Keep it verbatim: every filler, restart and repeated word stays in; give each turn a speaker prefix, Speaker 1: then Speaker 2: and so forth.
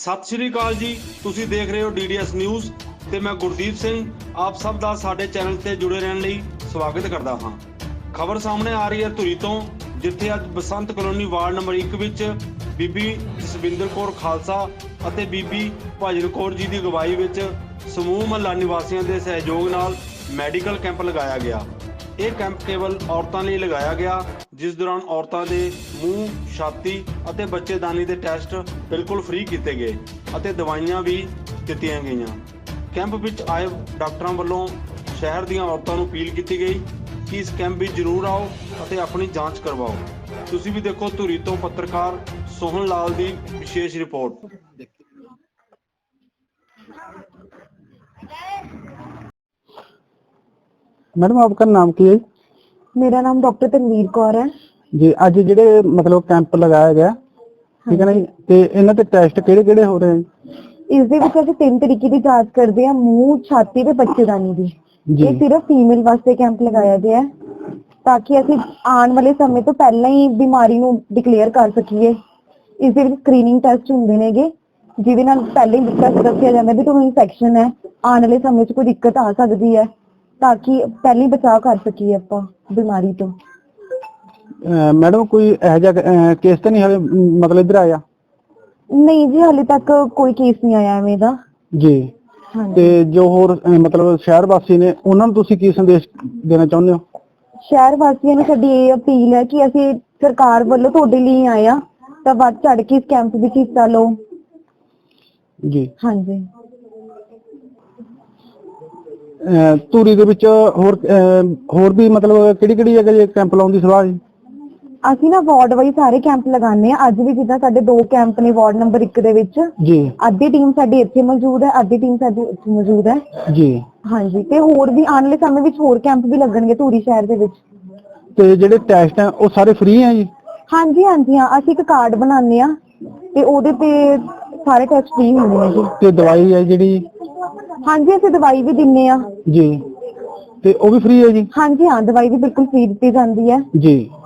Speaker 1: ਸਤਿ ਸ਼੍ਰੀ ਅਕਾਲ ਜੀ, ਤੁਸੀਂ ਦੇਖ ਰਹੇ ਹੋ ਡੀ ਡੀ ਐਸ ਨਿਊਜ਼ ਤੇ ਮੈਂ ਗੁਰਦੀਪ ਸਿੰਘ ਆਪ ਸਭ ਦਾ ਸਾਡੇ ਚੈਨਲ ਤੇ ਜੁੜੇ ਰਹਿਣ ਲਈ ਸਵਾਗਤ ਕਰਦਾ ਹਾਂ। ਖਬਰ ਸਾਹਮਣੇ ਆ ਰਹੀ ਹੈ ਧੂਰੀ ਤੋਂ, ਜਿੱਥੇ ਅੱਜ ਬਸੰਤ ਕਲੋਨੀ ਵਾਰਡ ਨੰਬਰ ਇੱਕ ਵਿੱਚ ਬੀਬੀ ਜਸਵਿੰਦਰ ਕੌਰ ਖਾਲਸਾ ਅਤੇ ਬੀਬੀ ਭਜਨ ਕੌਰ ਜੀ ਦੀ ਅਗਵਾਈ ਵਿੱਚ ਸਮੂਹ ਮਹੱਲਾ ਨਿਵਾਸੀਆਂ ਦੇ ਸਹਿਯੋਗ ਨਾਲ ਮੈਡੀਕਲ ਕੈਂਪ ਲਗਾਇਆ ਗਿਆ। ਇਹ ਕੈਂਪ ਕੇਵਲ ਔਰਤਾਂ ਲਈ ਲਗਾਇਆ ਗਿਆ, ਜਿਸ ਦੌਰਾਨ ਔਰਤਾਂ ਦੇ ਮੂੰਹ, ਛਾਤੀ ਅਤੇ ਬੱਚੇਦਾਨੀ ਦੇ ਟੈਸਟ ਬਿਲਕੁਲ ਫ੍ਰੀ ਕੀਤੇ ਗਏ ਅਤੇ ਦਵਾਈਆਂ ਵੀ ਦਿੱਤੀਆਂ ਗਈਆਂ। ਕੈਂਪ ਵਿੱਚ ਆਏ ਡਾਕਟਰਾਂ ਵੱਲੋਂ ਸ਼ਹਿਰ ਦੀਆਂ ਔਰਤਾਂ ਨੂੰ ਅਪੀਲ ਕੀਤੀ ਗਈ ਕਿ ਇਸ ਕੈਂਪ ਵਿੱਚ ਜ਼ਰੂਰ ਆਓ ਅਤੇ ਆਪਣੀ ਜਾਂਚ ਕਰਵਾਓ। ਤੁਸੀਂ ਵੀ ਦੇਖੋ ਧੂਰੀ ਤੋਂ ਪੱਤਰਕਾਰ ਸੋਹਨ ਲਾਲ ਦੀ ਵਿਸ਼ੇਸ਼ ਰਿਪੋर्ट।
Speaker 2: मैडम आपका नाम की है?
Speaker 3: मेरा नाम डॉक्टर तनवीर कौर है
Speaker 2: जी। ਅੱਜ ਜਿਹੜੇ ਮਤਲਬ ਕੈਂਪ ਲਗਾਇਆ ਗਿਆ, ਠੀਕ ਹੈ ਨਾ ਜੀ, ਤੇ ਇਹਨਾਂ ਤੇ ਟੈਸਟ ਕਿਹੜੇ ਕਿਹੜੇ ਹੋ ਰਹੇ ਹਨ?
Speaker 3: ਇਸ ਦੇ ਵਿੱਚ ਅਸੀਂ ਤਿੰਨ ਤਰੀਕੇ ਦੀ ਜਾਂਚ ਕਰਦੇ ਹਾਂ, ਮੂੰਹ, ਛਾਤੀ ਤੇ ਬੱਚੇਦਾਨੀ ਦੀ। ਇਹ ਸਿਰਫ ਫੀਮੇਲ ਵਾਸਤੇ ਕੈਂਪ ਲਗਾਇਆ ਗਿਆ ਹੈ ਤਾਂ ਕਿ ਅਸੀਂ ਆਉਣ ਵਾਲੇ ਸਮੇਂ ਤੋਂ ਪਹਿਲਾਂ ਹੀ ਬਿਮਾਰੀ ਨੂੰ ਡਿਕਲੇਅਰ ਕਰ ਸਕੀਏ। ਇਸ ਦੇ ਵਿੱਚ ਸਕਰੀਨਿੰਗ ਟੈਸਟ ਹੁੰਦੇ ਨੇਗੇ, ਜਿਹਦੇ ਨਾਲ ਪਹਿਲਾਂ ਹੀ ਦੱਸਿਆ ਜਾਂਦਾ ਵੀ ਤੁਹਾਨੂੰ ਇਨਫੈਕਸ਼ਨ ਹੈ, ਆਉਣ ਵਾਲੇ ਸਮੇਂ 'ਚ ਕੋਈ ਦਿੱਕਤ ਆ ਸਕਦੀ ਹੈ, ਤਾਂ ਕਿ ਪਹਿਲਾਂ ਹੀ ਬਚਾਅ ਕਰ ਸਕੀਏ ਆਪਾਂ ਬਿਮਾਰੀ ਤੋਂ।
Speaker 2: ਮੈਡਮ ਕੋਈ ਇਹੋ ਜਿਹਾ ਕੇਸ ਤਾਂ ਨਹੀਂ ਹਾਲੇ ਮਤਲਬ ਇੱਧਰ ਆਇਆ?
Speaker 3: ਨਹੀਂ ਜੀ, ਹਾਲੇ ਤੱਕ ਕੋਈ ਕੇਸ ਨਹੀਂ ਆਇਆ ਐਵੇਂ ਦਾ
Speaker 2: ਜੀ। ਤੇ ਜੋ ਹੋਰ ਮਤਲਬ ਸ਼ਹਿਰ ਵਾਸੀ ਨੇ, ਉਹਨਾਂ ਨੂੰ ਤੁਸੀਂ ਕੀ ਸੰਦੇਸ਼ ਦੇਣਾ ਚਾਹੁੰਦੇ ਹੋ?
Speaker 3: ਸ਼ਹਿਰ ਵਾਸੀਆਂ ਨੂੰ ਸਾਡੀ ਇਹ ਅਪੀਲ ਹੈ ਕਿ ਅਸੀਂ ਸਰਕਾਰ ਵੱਲੋਂ ਤੁਹਾਡੇ ਲਈ ਆਏ ਆ, ਤਾਂ ਵੱਧ ਚੜ ਕੇ ਇਸ ਕੈਂਪ ਵਿੱਚ ਹਿੱਸਾ ਲਓ
Speaker 2: ਜੀ।
Speaker 3: ਹਾਂਜੀ।
Speaker 2: ਧੂਰੀ ਦੇ ਵਿੱਚ ਹੋਰ ਹੋਰ ਵੀ ਮਤਲਬ ਕਿਹੜੀ ਕਿਹੜੀ ਜਗ੍ਹਾ ਜੇ ਕੈਂਪ ਲਾਉਣ ਦੀ ਸਲਾਹ ਹੈ?
Speaker 3: ਅਸੀਂ ਨਾ ਵਾਰਡ ਵਾਈਜ਼ ਸਾਰੇ ਕੈਂਪ ਲਗਾਉਂਦੇ ਆ। ਅੱਜ ਵੀ ਜਿੱਦਾਂ ਸਾਡੇ ਦੋ ਕੈਂਪ ਨੇ ਵਾਰਡ ਨੰਬਰ ਇੱਕ ਦੇ ਵਿੱਚ
Speaker 2: ਜੀ।
Speaker 3: ਅੱਧੀ ਟੀਮ ਸਾਡੀ ਇੱਥੇ ਮੌਜੂਦ ਹੈ, ਅੱਧੀ ਟੀਮ ਸਾਡੀ ਇੱਥੇ ਮੌਜੂਦ ਹੈ
Speaker 2: ਜੀ।
Speaker 3: ਹਾਂਜੀ। ਤੇ ਹੋਰ ਵੀ ਆਉਣ ਵਾਲੇ ਸਮੇਂ ਵਿੱਚ ਹੋਰ ਕੈਂਪ ਵੀ ਲੱਗਣਗੇ ਧੂਰੀ ਸ਼ਹਿਰ ਦੇ ਵਿੱਚ।
Speaker 2: ਤੇ ਜਿਹੜੇ ਟੈਸਟ ਹੈ ਉਹ ਸਾਰੇ ਫ੍ਰੀ ਹੈ ਜੀ?
Speaker 3: ਹਾਂਜੀ ਹਾਂਜੀ ਹਾਂ, ਅਸੀਂ ਇੱਕ ਕਾਰਡ ਬਣਾਉਂਦੇ ਆ ਤੇ ਉਹਦੇ ਤੇ ਸਾਰੇ ਟੈਸਟ ਫ੍ਰੀ ਹੁੰਦੇ ਨੇ ਜੀ।
Speaker 2: ਤੇ ਦਵਾਈ ਹੈ ਜਿਹੜੀ?
Speaker 3: ਹਾਂਜੀ, ਅਸੀਂ ਦਵਾਈ ਵੀ ਦਿੰਨੇ ਆ
Speaker 2: ਜੀ। ਤੇ ਉਹ ਵੀ ਫ੍ਰੀ ਹੈ ਜੀ?
Speaker 3: ਹਾਂਜੀ ਹਾਂ, ਦਵਾਈ ਵੀ ਬਿਲਕੁਲ ਫ੍ਰੀ ਦਿੱਤੀ ਜਾਂਦੀ ਹੈ
Speaker 2: ਜੀ।